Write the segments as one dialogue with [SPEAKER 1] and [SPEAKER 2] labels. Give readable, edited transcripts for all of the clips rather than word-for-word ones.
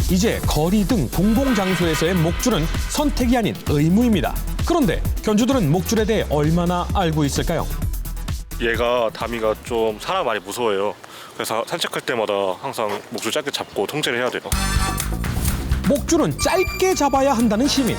[SPEAKER 1] 이제 거리 등 공공장소에서의 목줄은 선택이 아닌 의무입니다. 그런데 견주들은 목줄에 대해 얼마나 알고 있을까요?
[SPEAKER 2] 얘가 다미가 좀 사람 많이 무서워해요. 그래서 산책할 때마다 항상 목줄 짧게 잡고 통제를 해야 돼요.
[SPEAKER 1] 목줄은 짧게 잡아야 한다는 시민.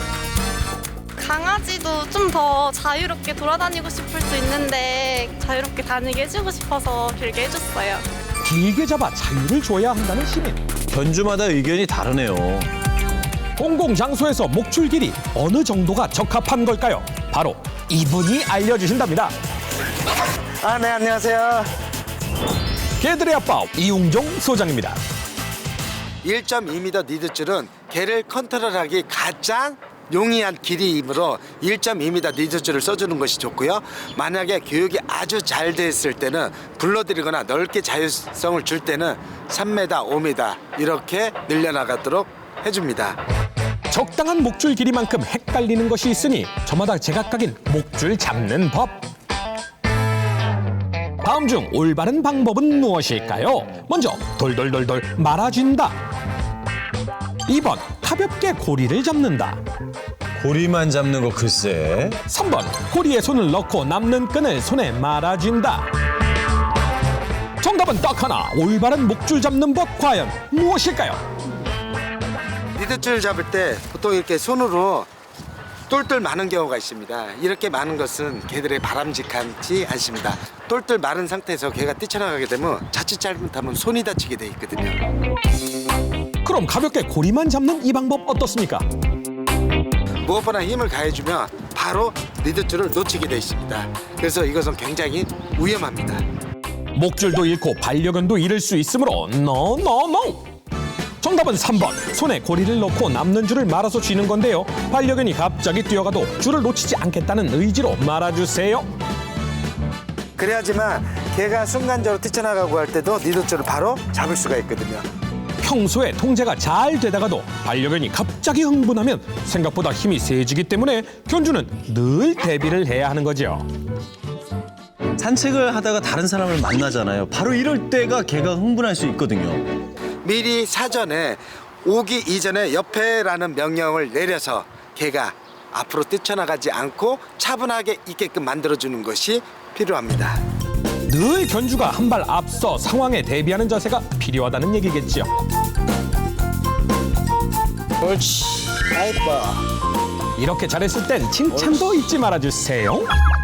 [SPEAKER 3] 강아지도 좀 더 자유롭게 돌아다니고 싶을 수 있는데 자유롭게 다니게 해주고 싶어서 길게 해줬어요.
[SPEAKER 1] 길게 잡아 자유를 줘야 한다는 시민.
[SPEAKER 4] 견주마다 의견이 다르네요.
[SPEAKER 1] 공공장소에서 목줄 길이 어느 정도가 적합한 걸까요? 바로 이분이 알려주신답니다.
[SPEAKER 5] 네, 안녕하세요.
[SPEAKER 1] 개들의 아빠 이웅종 소장입니다.
[SPEAKER 5] 1.2m 니드줄은 개를 컨트롤하기 가장 용이한 길이이므로 1.2m 니드줄을 써주는 것이 좋고요. 만약에 교육이 아주 잘 됐을 때는 불러들이거나 넓게 자율성을 줄 때는 3m, 5m 이렇게 늘려나가도록 해줍니다.
[SPEAKER 1] 적당한 목줄 길이만큼 헷갈리는 것이 있으니 저마다 제각각인 목줄 잡는 법. 다음 중 올바른 방법은 무엇일까요? 먼저 돌돌돌돌 말아준다. 2번 가볍게 고리를 잡는다.
[SPEAKER 4] 고리만 잡는 거 글쎄.
[SPEAKER 1] 3번 고리에 손을 넣고 남는 끈을 손에 말아준다. 정답은 딱 하나. 올바른 목줄 잡는 법 과연 무엇일까요?
[SPEAKER 5] 니드줄 잡을 때 보통 이렇게 손으로 똘똘 마는 경우가 있습니다. 이렇게 마는 것은 개들의 바람직하지 않습니다. 똘똘 마른 상태에서 개가 뛰쳐나가게 되면 자칫 잘못하면 손이 다치게 돼 있거든요.
[SPEAKER 1] 그럼 가볍게 고리만 잡는 이 방법 어떻습니까?
[SPEAKER 5] 무엇보다 힘을 가해주면 바로 니드줄을 놓치게 돼 있습니다. 그래서 이것은 굉장히 위험합니다.
[SPEAKER 1] 목줄도 잃고 반려견도 잃을 수 있으므로 노. 정답은 3번. 손에 고리를 넣고 남는 줄을 말아서 쥐는 건데요. 반려견이 갑자기 뛰어가도 줄을 놓치지 않겠다는 의지로 말아주세요.
[SPEAKER 5] 그래야지만 개가 순간적으로 뛰쳐나가고 할 때도 니드줄을 바로 잡을 수가 있거든요.
[SPEAKER 1] 평소에 통제가 잘 되다가도 반려견이 갑자기 흥분하면 생각보다 힘이 세지기 때문에 견주는 늘 대비를 해야 하는 거죠.
[SPEAKER 4] 산책을 하다가 다른 사람을 만나잖아요. 바로 이럴 때가 개가 흥분할 수 있거든요.
[SPEAKER 5] 미리 사전에 오기 이전에 옆에라는 명령을 내려서 개가 앞으로 뛰쳐나가지 않고 차분하게 있게끔 만들어주는 것이 필요합니다.
[SPEAKER 1] 늘 견주가 한 발 앞서 상황에 대비하는 자세가 필요하다는 얘기겠죠.
[SPEAKER 5] 옳지. 아이뻐.
[SPEAKER 1] 이렇게 잘했을 땐 칭찬도 잊지 말아주세요.